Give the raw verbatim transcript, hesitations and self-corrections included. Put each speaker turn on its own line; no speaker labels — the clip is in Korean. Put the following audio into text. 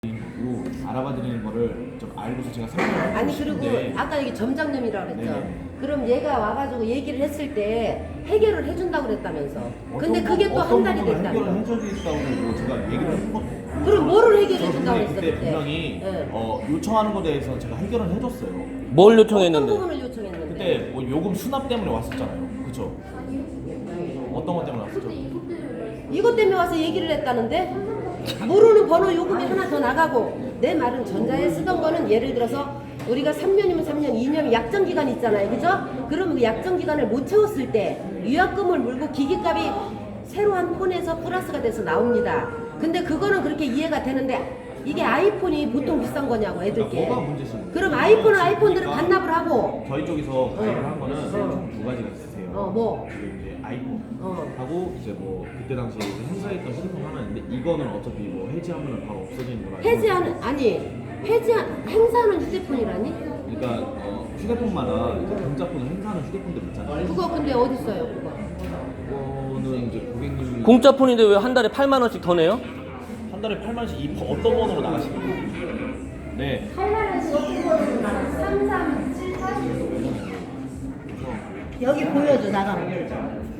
고 알아봐 드리는 거를 좀 알고서 제가 설명을
아니 그리고 아까 여기 점장님이라고 그랬죠.
네네.
그럼 얘가 와가지고 얘기를 했을 때 해결을 해준다고 그랬다면서. 근데
어떤
그게
부-
또 한
어떤
달이
부분을
됐다며.
해결을 해줘야겠다고 뭐 제가 얘기를 한 것도.
그럼 뭐를
저
해결해 준다고
근데
그랬어
그때
그때?
분명히
네.
어, 요청하는 것에 대해서 제가 해결을 해줬어요.
뭘
어떤
요청했는데?
부분을 요청했는데?
그때 뭐 요금 수납 때문에 왔었잖아요. 그쵸? 어떤 것 때문에 왔었죠?
이것 때문에 와서 얘기를 했다는데? 모르는 번호 요금이 하나 더 나가고 내 말은 전자에 쓰던 거는 예를 들어서 우리가 삼 년이면 삼 년, 이 년이면 약정 기간이 있잖아요. 그죠? 그러면 그 약정 기간을 못 채웠을 때 위약금을 물고 기기값이 새로 한 폰에서 플러스가 돼서 나옵니다. 근데 그거는 그렇게 이해가 되는데 이게 아이폰이 보통 비싼 거냐고 애들께.
그러니까 뭐가 문제신
그럼 아이폰은 아이폰대로
그러니까
반납을 하고
저희 쪽에서 가입을 한 거는
어.
총 두 가지가 있으세요.
어, 뭐?
그게 이제 아이폰
어.
하고 이제 뭐 그때 당시에 이제 행사했던 휴대폰 하나 있는데 이거는 어차피 뭐 해지하면 바로 없어지는 거라.
해지하는 아니 해지한 행사하는 휴대폰이라니?
그러니까 어, 휴대폰마다 이제 공짜폰을 행사하는 휴대폰들 있잖아요.
그거 근데 어디 있어요 그거?
그거는 이제 고객님이
공짜폰인데 왜 한 달에 팔만 원씩 더 내요?
한 달에 팔만 원씩 이 번- 어떤 번호로 나가시는 거예요? 네.
팔만 원씩 어떻게 벌어서 나가? 삼, 삼, 칠, 팔? 여기 보여줘 나가면.